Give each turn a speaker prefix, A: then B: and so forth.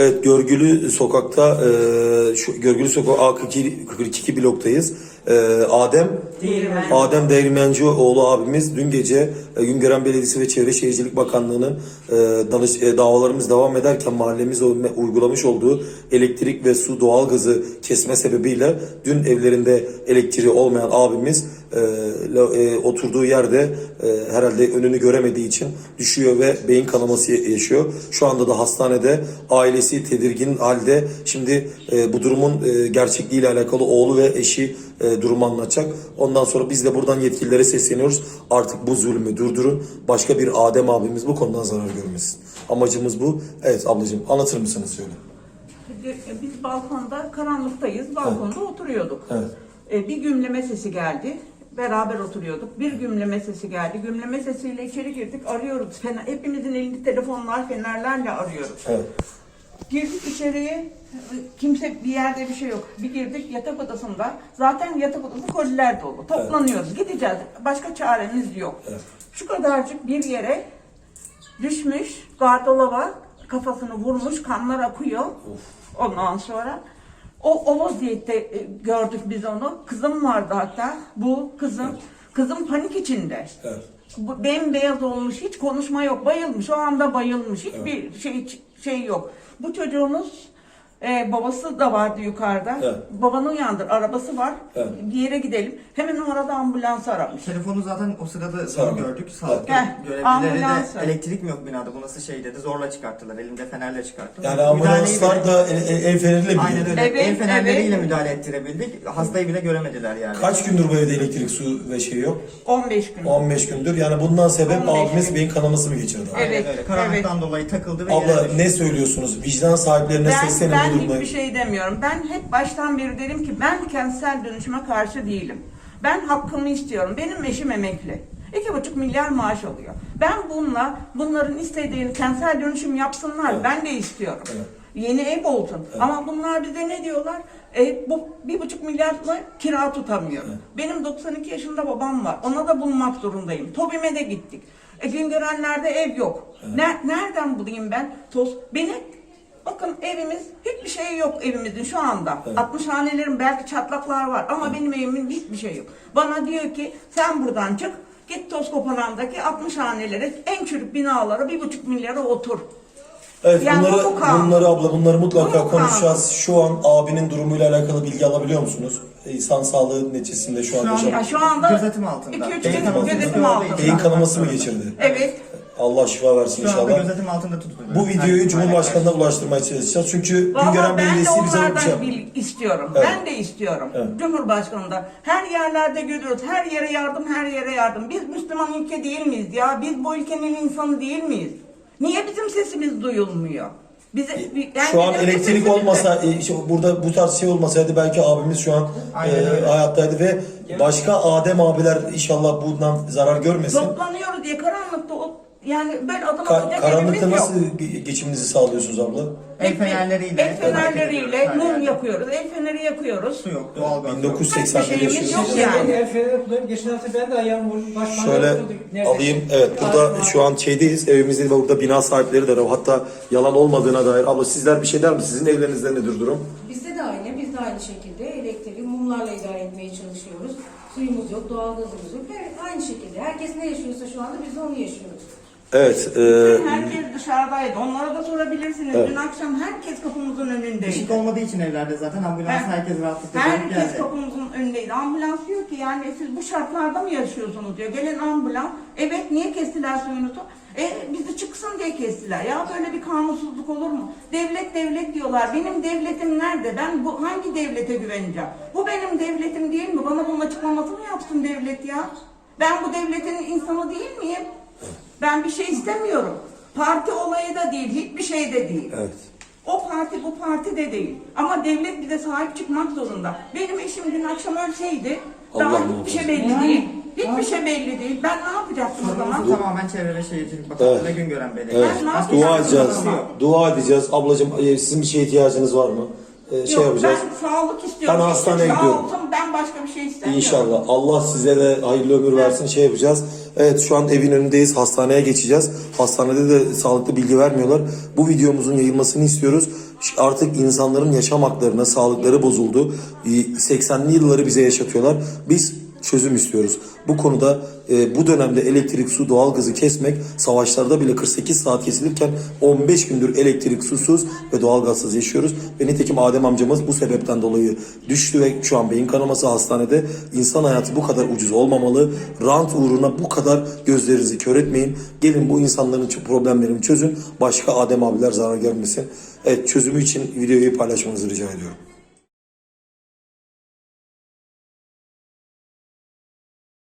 A: Evet, Görgülü Sokak'ta, şu Görgülü Sokak A42 bloktayız. Adem Değirmencioğlu abimiz dün gece Güngören Belediyesi ve Çevre Şehircilik Bakanlığı'nın davalarımız devam ederken mahallemize uygulamış olduğu elektrik ve su doğalgazı kesme sebebiyle dün evlerinde elektriği olmayan abimiz oturduğu yerde herhalde önünü göremediği için düşüyor ve beyin kanaması yaşıyor. Şu anda da hastanede, ailesi tedirgin halde. Şimdi bu durumun gerçekliğiyle alakalı oğlu ve eşi durumu anlatacak. Ondan sonra biz de buradan yetkililere sesleniyoruz. Artık bu zulmü durdurun. Başka bir Adem abimiz bu konudan zarar görmesin. Amacımız bu. Evet ablacığım, anlatır mısınız söyle.
B: Biz balkonda karanlıktayız. Balkonda oturuyorduk.
A: Evet.
B: Bir gümleme sesi geldi. Beraber oturuyorduk. Bir gümleme sesi geldi. Gümleme sesiyle içeri girdik. Arıyoruz. Hepimizin elinde telefonlar, fenerlerle arıyoruz.
A: Evet.
B: Girdik içeriye. Kimse, bir yerde bir şey yok. Bir girdik yatak odasında. Zaten yatak odası koliler dolu. Toplanıyoruz. Gideceğiz. Başka çaremiz yok.
A: Evet.
B: Şu kadarcık bir yere düşmüş. Gardıroba kafasını vurmuş. Kanlar akıyor. Ondan sonra o vaziyette gördük biz onu. Kızım vardı hatta. Bu kızım. Evet. Kızım panik içinde. Evet. Bembeyaz olmuş. Hiç konuşma yok. Bayılmış. O anda bayılmış. Hiçbir şey yok. Bu çocuğumuz babası da vardı yukarıda. Evet. Babanı uyandır. Arabası var. Evet. Bir yere gidelim. Hemen o arada ambulans aramış.
C: Telefonu zaten o sırada gördük. Sağlık görevlileri de elektrik mi yok binada? Bu nasıl şey dedi. Zorla çıkarttılar. Elinde fenerle çıkarttılar.
A: Yani ambulanslar da el feneriyle mi?
C: Aynen öyle. Evet, el fenerleriyle müdahale ettirebildik. Hastayı bile göremediler yani.
A: Kaç gündür bu evde elektrik, su ve şey yok?
B: 15 gün.
A: 15 gündür. Yani bundan sebep abimiz beyin kanaması mı geçirdi?
B: Evet.
C: Öyle. Karanlıktan dolayı takıldı ve
A: abla ne söylüyorsunuz? Vicdan sahiplerine seslenin bu durumda.
B: Ben hiçbir şey demiyorum. Ben hep baştan beri derim ki ben kentsel dönüşüme karşı değilim. Ben hakkımı istiyorum. Benim eşim emekli. 2,5 milyar maaş alıyor. Ben bunların istediğini kentsel dönüşüm yapsınlar. Evet. Ben de istiyorum. Evet. Yeni ev olsun. Evet. Ama bunlar bize ne diyorlar? Bu 1,5 milyarla kira tutamıyor. Evet. Benim 92 yaşında babam var. Ona da bulmak zorundayım. TOBİ'me de gittik. Güngörenler'de ev yok. Evet. Nereden bulayım ben? Bakın evimiz, hiçbir şey yok evimizin şu anda. Evet. 60 hanelerin belki çatlaklar var ama benim evimin hiçbir şey yok. Bana diyor ki sen buradan çık, git Tozkopalan'daki 60 hanelere, en çürük binalara 1,5 milyara otur.
A: Evet,
B: yani
A: bunları mutlaka konuşacağız. Şu an abinin durumuyla alakalı bilgi alabiliyor musunuz? İnsan sağlığı neticesinde şu anda.
B: Şu anda
C: gözetim altında.
B: 2-3 gün gözetim altında.
A: Beyin kanaması mı geçirdi?
B: Evet.
A: Allah şifa versin inşallah.
C: Şu anda gözetim altında tutuluyor.
A: Bu videoyu Cumhurbaşkanı'na ulaştırmaya çalışacağız. Çünkü Güngören Belediyesi bize bir şey
B: istiyorum.
A: Evet.
B: Ben de istiyorum.
A: Evet.
B: Cumhurbaşkanı'nda. Her yerlerde görüyoruz. Her yere yardım, her yere yardım. Biz Müslüman ülke değil miyiz ya? Biz bu ülkenin insanı değil miyiz? Niye bizim sesimiz duyulmuyor?
A: Şu an elektrik olmasa, burada bu tarz şey olmasaydı belki abimiz şu an hayattaydı ve başka Adem abiler inşallah bundan zarar görmesin.
B: Toplanıyoruz diye karanlıkta yani böyle adım atacak
A: karanlıkta nasıl geçiminizi sağlıyorsunuz abla?
C: El fenerleriyle
B: mum yakıyoruz. El feneri yakıyoruz.
C: Su yok, doğalgaz.
A: 1980'de yaşıyoruz.
B: Yani.
D: El feneri kullanıp geçen hafta ben de ayağım vurdum.
A: Şöyle alayım. Evet, burada şu an şeydeyiz. Evimizde burada bina sahipleri de var. Hatta yalan olmadığına dair. Abla sizler bir şey der mi? Sizin evlerinizde nedir durum?
E: Bizde de aynı. Biz de aynı şekilde elektriği mumlarla idare etmeye çalışıyoruz. Suyumuz yok, doğalgazımız yok. Aynı şekilde. Herkes ne yaşıyorsa şu anda biz de onu yaşıyoruz.
A: Evet.
B: Herkes dışarıdaydı. Onlara da sorabilirsiniz. Evet. Dün akşam herkes kapımızın önündeydi.
C: Işık olmadığı için evlerde zaten ambulans herkes rahatlıkla geldi.
B: Herkes kapımızın önündeydi. Ambulans diyor ki yani siz bu şartlarda mı yaşıyorsunuz diyor. Gelen ambulans. Evet, niye kestiler suyunuzu? Bizi çıksın diye kestiler. Ya böyle bir kanunsuzluk olur mu? Devlet diyorlar. Benim devletim nerede? Ben hangi devlete güveneceğim? Bu benim devletim değil mi? Bana bunun açıklamasını yapsın devlet ya. Ben bu devletin insanı değil miyim? Ben bir şey istemiyorum. Parti olayı da değil, hiçbir şey de değil.
A: Evet.
B: O parti bu parti de değil. Ama devlet bize sahip çıkmak zorunda. Benim eşim dün akşam ölseydi, daha hiçbir şey belli değil. Hiçbir şey belli değil. Ben ne yapacaktım o zaman?
C: Tamamen Çevre ve Şehircilik Bakanlığı ve Güngören Belediyesi.
A: Evet. Dua edeceğiz. Ablacığım, sizin bir şeye ihtiyacınız var mı?
B: Yok,
A: yapacağız.
B: Ben sağlık istiyorum.
A: Ben hastaneye
B: Sağ
A: gidiyorum.
B: olsun, ben başka bir şey istemiyorum.
A: İnşallah. Allah size de hayırlı ömür versin, yapacağız. Evet, şu an evin önündeyiz. Hastaneye geçeceğiz. Hastanede de sağlıklı bilgi vermiyorlar. Bu videomuzun yayılmasını istiyoruz. Artık insanların yaşam haklarına, sağlıkları bozuldu. 80'li yılları bize yaşatıyorlar. Biz çözüm istiyoruz. Bu konuda bu dönemde elektrik, su, doğalgazı kesmek, savaşlarda bile 48 saat kesilirken 15 gündür elektrik, susuz ve doğalgazsız yaşıyoruz. Ve nitekim Adem amcamız bu sebepten dolayı düştü ve şu an beyin kanaması hastanede. İnsan hayatı bu kadar ucuz olmamalı. Rant uğruna bu kadar gözlerinizi kör etmeyin. Gelin bu insanların problemlerini çözün. Başka Adem abiler zarar görmesin. Evet, çözümü için videoyu paylaşmanızı rica ediyorum.